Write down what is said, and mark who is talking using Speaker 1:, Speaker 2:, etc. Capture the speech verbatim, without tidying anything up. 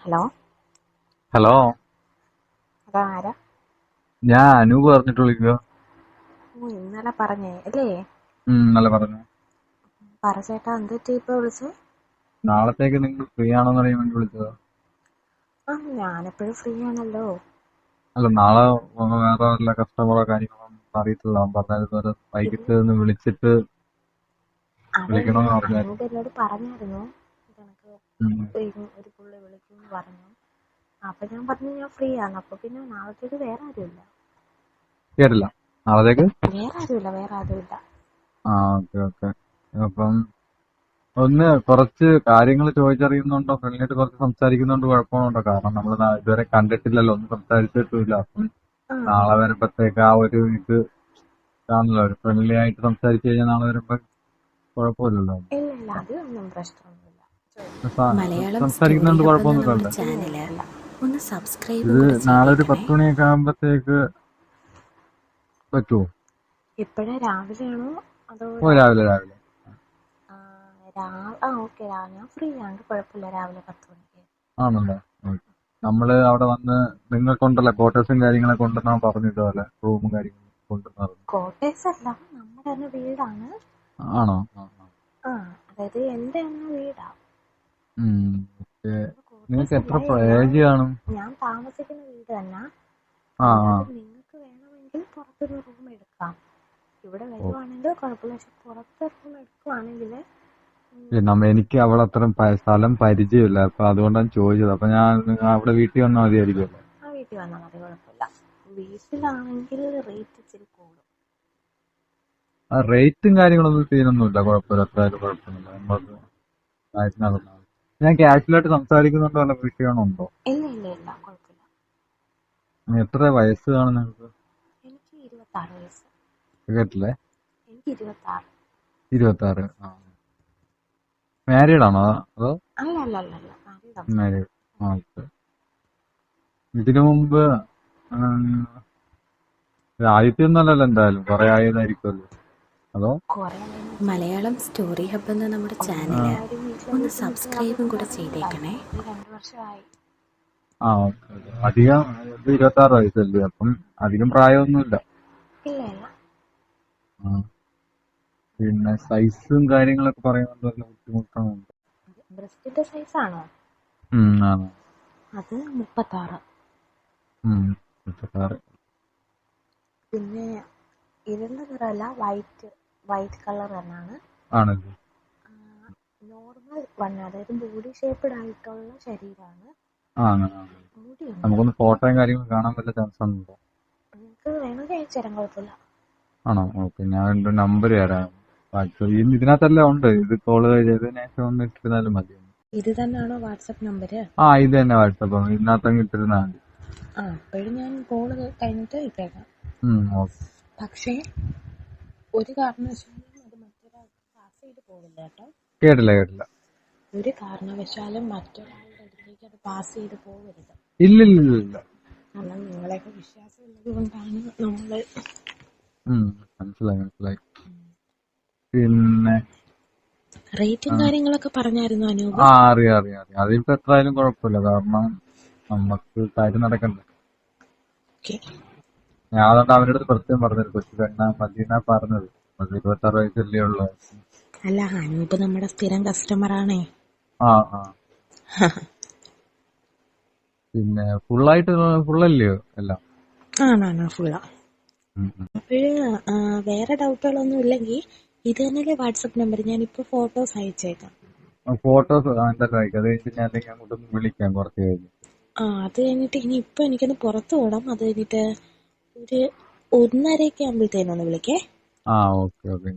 Speaker 1: Hello
Speaker 2: hello,
Speaker 1: അതാരാ?
Speaker 2: ഞാൻ അനൂപ് പറഞ്ഞിട്ട് വിളിക്കുക.
Speaker 1: ഓ ഇന്നലെ പറഞ്ഞേ അല്ലേ?
Speaker 2: ഉം, നല്ല പറഞ്ഞു.
Speaker 1: പറ ചേട്ടാ, എന്ത് പറ്റി ഇപ്പൊ വിളിച്ചേ?
Speaker 2: നാളത്തേക്ക് നിങ്ങൾ ഫ്രീ ആണോന്ന് അറിയാൻ വേണ്ടി വിളിച്ചതാ.
Speaker 1: ആ ഞാനെപ്പോഴും ഫ്രീ ആണല്ലോ.
Speaker 2: അല്ല, നാളെ വേറെ വല്ല കസ്റ്റമറോ കാര്യങ്ങളോ അറിയത്തില്ല. അവൻ പറഞ്ഞായിരുന്നു ഒരു
Speaker 1: ഇല്ല,
Speaker 2: വൈകിട്ട് ഒന്ന് വിളിച്ചിട്ട്
Speaker 1: അതല്ല,
Speaker 2: വിളിക്കണമെന്ന് പറഞ്ഞായിരുന്നു.
Speaker 1: അനൂപ് എന്നോട് പറഞ്ഞായിരുന്നു ഇതെനക്ക്
Speaker 2: ഉം.
Speaker 1: ഒരു പുള്ളി വിളിക്കുമെന്ന് പറഞ്ഞു. അപ്പൊ ഞാൻ പറഞ്ഞു ഞാൻ ഫ്രീ ആണ്. അപ്പൊ പിന്നെ നാളത്തേക്ക് വേറെ ആരുമില്ല.
Speaker 2: കേട്ടില്ല. നാളത്തേക്ക്
Speaker 1: വേറെ ആരുമില്ല വേറെ ആരുമില്ല
Speaker 2: ആ ഓക്കെ ഓക്കെ. അപ്പം ഒന്ന് കുറച്ച് കാര്യങ്ങൾ ചോദിച്ചറിയുന്നുണ്ടോ, ഫ്രണ്ട്ലിയായിട്ട് കുറച്ച് സംസാരിക്കുന്നുണ്ട് കുഴപ്പമുണ്ടോ? കാരണം നമ്മൾ ഇതുവരെ കണ്ടിട്ടില്ലല്ലോ, ഒന്നും സംസാരിച്ചിട്ടില്ല. അപ്പം
Speaker 1: ആ
Speaker 2: നാളെ വരുമ്പത്തേക്ക് ആ ഒരു ഇത് കാണല്ലോ, ഒരു ഫ്രണ്ട്ലി ആയിട്ട് സംസാരിച്ചു കഴിഞ്ഞാൽ നാളെ വരുമ്പോ കുഴപ്പമില്ലല്ലോ.
Speaker 1: ഇല്ല ഇല്ല അതൊന്നും പ്രശ്നമൊന്നുമില്ല.
Speaker 3: മലയാളം സ്റ്റോറി
Speaker 2: സംസാരിക്കുന്നതുകൊണ്ട്
Speaker 3: ഹബ്ബ് എന്ന
Speaker 2: കുഴപ്പമൊന്നുമില്ലല്ലോ.
Speaker 3: നമ്മുടെ ചാനല് ഒന്ന് സബ്സ്ക്രൈബും
Speaker 2: ഇത്
Speaker 3: കൂടെ
Speaker 2: നാളെ ഒരു
Speaker 3: ചെയ്തേക്കണേ.
Speaker 2: പത്ത് മണിയൊക്കെ ആകുമ്പത്തേക്ക് പറ്റുമോ?
Speaker 1: ഇപ്പോഴേ രാവിലെയാണോ അതോ
Speaker 2: ഓ, രാവിലെ രാവിലെ
Speaker 1: ആ രാ- ആ ഓക്കെ, ഞാൻ ഫ്രീ ആണ്, കുഴപ്പമില്ല. രാവിലെ പത്ത് മണിക്ക്
Speaker 2: ആണല്ലോ. നമ്മള് അവിടെ വന്ന് നിങ്ങൾക്കുണ്ടല്ലോ ക്വാർട്ടേഴ്സും കാര്യങ്ങളൊക്കെ ഉണ്ടെന്നാ പറഞ്ഞിട്ടുപോലെ, റൂമും കാര്യങ്ങളും കൊണ്ടുവന്നു.
Speaker 1: കോട്ടേഴ്സ് അല്ല, നമ്മുടെ തന്നെ വീടാണ്.
Speaker 2: ആണോ? ആ, ആ.
Speaker 1: ആ അതായത് എന്റെ തന്നെ വീടാ.
Speaker 2: ഉം. ഓക്കെ. നിങ്ങൾക്ക്
Speaker 1: കോട്ടേഴ്സ്
Speaker 2: എത്ര
Speaker 1: അല്ല, ഞാൻ
Speaker 2: ഏജ് കാണും?
Speaker 1: ഞാൻ താമസിക്കുന്ന വീട് തന്നെ.
Speaker 2: ആ ആ
Speaker 1: അല്ലാതെ നിങ്ങൾക്ക് വേണമെങ്കിൽ പുറത്തൊരു റൂം എടുക്കാം. ഇവിടെ
Speaker 2: ഓ.
Speaker 1: വരുവാണെങ്കിൽ കുഴപ്പമില്ല. പക്ഷെ പുറത്ത് റൂം എടുക്കുവാണെങ്കിൽ
Speaker 2: ഏ, നമ്മ എനിക്ക് അവിടെ അത്ര സ്ഥലം പരിചയമില്ല, അപ്പൊ അതുകൊണ്ടാണ് ചോദിച്ചത്. അപ്പൊ ഞാൻ അവിടെ വീട്ടിൽ വന്നാൽ മതിയായിരിക്കുമല്ലോ.
Speaker 1: ആ വീട്ടിൽ വന്നാൽ മതി, കുഴപ്പമില്ല. വീട്ടിലാണെങ്കിൽ റേറ്റ് ഇച്ചിരി കൂടും.
Speaker 2: ആ റേറ്റും കാര്യങ്ങളൊന്നും സീനൊന്നുമില്ല, കുഴപ്പമില്ല. എത്ര ആയാലും കുഴപ്പമൊന്നുമില്ല. നമുക്ക് കാര്യത്തിനകത്താണ്. ഞാൻ കാഷ്വലായിട്ട് സംസാരിക്കുന്നുണ്ടോ അല്ല വിഷയമുണ്ടോ?
Speaker 1: ഇല്ല ഇല്ല ഇല്ല കുഴപ്പമില്ല.
Speaker 2: എത്ര വയസ്സ് കാണും നിങ്ങൾക്ക്?
Speaker 1: എനിക്ക് ഇരുപത്താറ് വയസ്സ്.
Speaker 2: കേട്ടില്ലേ?
Speaker 1: എനിക്ക് ഇരുപത്താറ്.
Speaker 2: ഇരുപത്തി ആറ്. ആ, മാരീഡ് ആണോ അതോ?
Speaker 1: അല്ല അല്ല അല്ല അല്ല മാരീഡാണ്.
Speaker 2: മാരീഡ്. ആ, ഓക്കെ. ഇതിനു മുമ്പ് ഉം, ആദ്യത്തെ ഒന്നല്ലല്ലോ, എന്തായാലും കുറെ ആയതായിരിക്കുമല്ലോ അതോ?
Speaker 1: കുറെ
Speaker 3: മലയാളം സ്റ്റോറി ഹബ്ബ് എന്ന നമ്മുടെ
Speaker 2: ആ
Speaker 3: ചാനല്
Speaker 1: കാര്യം വീട്ടിലെ
Speaker 3: ഒന്ന്
Speaker 1: ബുദ്ധിമുട്ട്
Speaker 3: സബ്സ്ക്രൈബും
Speaker 1: കാരണം
Speaker 3: കൂടെ
Speaker 1: ഇറങ്ങിയതായി.
Speaker 3: ചെയ്തേക്കണേ.
Speaker 1: ഒരു രണ്ട് വർഷമായി.
Speaker 2: ആ ഓക്കെ. അധികം ഇത് ഇരുപത്തി ആറ് വയസ്സല്ലേ, അപ്പം അധികം പ്രായമൊന്നുമില്ല.
Speaker 1: ഇല്ല ഇല്ല
Speaker 2: ആ. പിന്നെ സൈസും കാര്യങ്ങളൊക്കെ പറയുന്നത് വല്ല ബുദ്ധിമുട്ടാണോ?
Speaker 1: ബ്രസ്റ്റിന്റെ സൈസാണോ?
Speaker 2: ഉം, ആണ്.
Speaker 1: അത് മുപ്പത്താറ്.
Speaker 2: ഉം, ഇരുപത്താറ്.
Speaker 1: പിന്നെ ഇരുണ്ട നിറമല്ല, വൈറ്റ് വൈറ്റ് കളർ തന്നെയാണ്.
Speaker 2: ആണല്ലേ?
Speaker 1: നോർമൽ വൺ, അതായത് ബോഡി ഷേപ്പ്ഡ് ആയിട്ടുള്ള ശരീരമാണ്.
Speaker 2: ആ, അങ്ങനെ ആണ്.
Speaker 1: മുടിയുണ്ട്.
Speaker 2: നമുക്കൊന്ന് ഫോട്ടോയും കാര്യങ്ങളും കാണാൻ വല്ല ചാൻസ് ഉണ്ടോ?
Speaker 1: നിങ്ങൾക്ക് വേണമെങ്കിൽ അയച്ചു തരാൻ, കുഴപ്പമില്ല.
Speaker 2: ആണോ? ഓക്കെ. ഞാൻ എൻ്റെ നമ്പർ തരാം. വാട്സപ്പ് ഇതിനകത്തെല്ലാം ഉണ്ട്. ഇത് കോള് ചെയ്തതിനു ശേഷം ഒന്ന് ഇട്ടിരുന്നാലും മതി.
Speaker 1: ഇത് തന്നെയാണോ വാട്സപ്പ് നമ്പര്?
Speaker 2: ആ, ഇത് തന്നെ വാട്സപ്പ്. ഇതിനകത്തങ്ങ് ഇട്ടിരുന്നാൽ മതി.
Speaker 1: ആ അപ്പോഴും ഞാൻ കോള് കഴിഞ്ഞിട്ട് ഇട്ടേക്കാം.
Speaker 2: ഉം, ഓക്കെ.
Speaker 1: പക്ഷേ ഒരു കാരണവശാലും അത് മറ്റൊരാൾക്ക് പാസ് ചെയ്ത് പോകില്ല കേട്ടോ.
Speaker 2: കേട്ടില്ല കേട്ടില്ല.
Speaker 1: ഒരു കാരണവശാലും മറ്റൊരാളുടെ അടുത്തേക്ക് അത് പാസ് ചെയ്ത് പോകരുത്.
Speaker 2: ഇല്ലില്ലില്ല.
Speaker 1: കാരണം നിങ്ങളെയൊക്കെ വിശ്വാസം ഉള്ളത് കൊണ്ടാണ് നമ്മൾ.
Speaker 2: ഉം, മനസ്സിലായി മനസ്സിലായി. പിന്നെ
Speaker 1: റേറ്റും കാര്യങ്ങളൊക്കെ പറഞ്ഞായിരുന്നു അനൂപ്.
Speaker 2: ആ, അറിയാം അറിയാം അറിയാം. അതിപ്പോ എത്രയായാലും കുഴപ്പമില്ല. കാരണം നമുക്ക് കാര്യം നടക്കണ്ടേ.
Speaker 1: ഓക്കെ.
Speaker 2: ഞാൻ അതുകൊണ്ട് അവരുടെ അടുത്ത് പ്രത്യേകം പറഞ്ഞത് കൊച്ചു പെണ്ണ മദീന പറഞ്ഞത്. അത് ഇരുപത്തി ആറ് വയസ്സല്ലേ ഉള്ളു.
Speaker 1: അല്ല, അനൂപ് നമ്മുടെ സ്ഥിരം കസ്റ്റമർ ആണേ.
Speaker 2: ആ ആ. പിന്നെ ഫുള്ളായിട്ട് ഫുള്ളല്ലയോ എല്ലാം?
Speaker 1: ആണാണ് ഫുള്ളാ.
Speaker 2: ഉം, ഉം.
Speaker 1: അപ്പോഴ് വേറെ ഡൗട്ടുകളൊന്നും ഇല്ലെങ്കിൽ ഇത് തന്നെയല്ലേ വാട്സപ്പ് നമ്പർ? ഞാനിപ്പോൾ ഫോട്ടോസ് അയച്ചേക്കാം.
Speaker 2: ഫോട്ടോസ് എന്തായാലും അയക്കാം. അത് കഴിഞ്ഞിട്ട് ഞാൻ അല്ലെങ്കിൽ അങ്ങോട്ടൊന്ന് വിളിക്കാം കുറച്ച് കഴിഞ്ഞ്.
Speaker 1: ആ അത് കഴിഞ്ഞിട്ട് ഇനി ഇപ്പം എനിക്കൊന്ന് പുറത്ത് പോകണം. അത് കഴിഞ്ഞിട്ട് ഒരു ഒന്നരയൊക്കെ ആകുമ്പോഴത്തേനൊന്ന് വിളിക്കേ.
Speaker 2: ആ ഓക്കെ ഓക്കെ.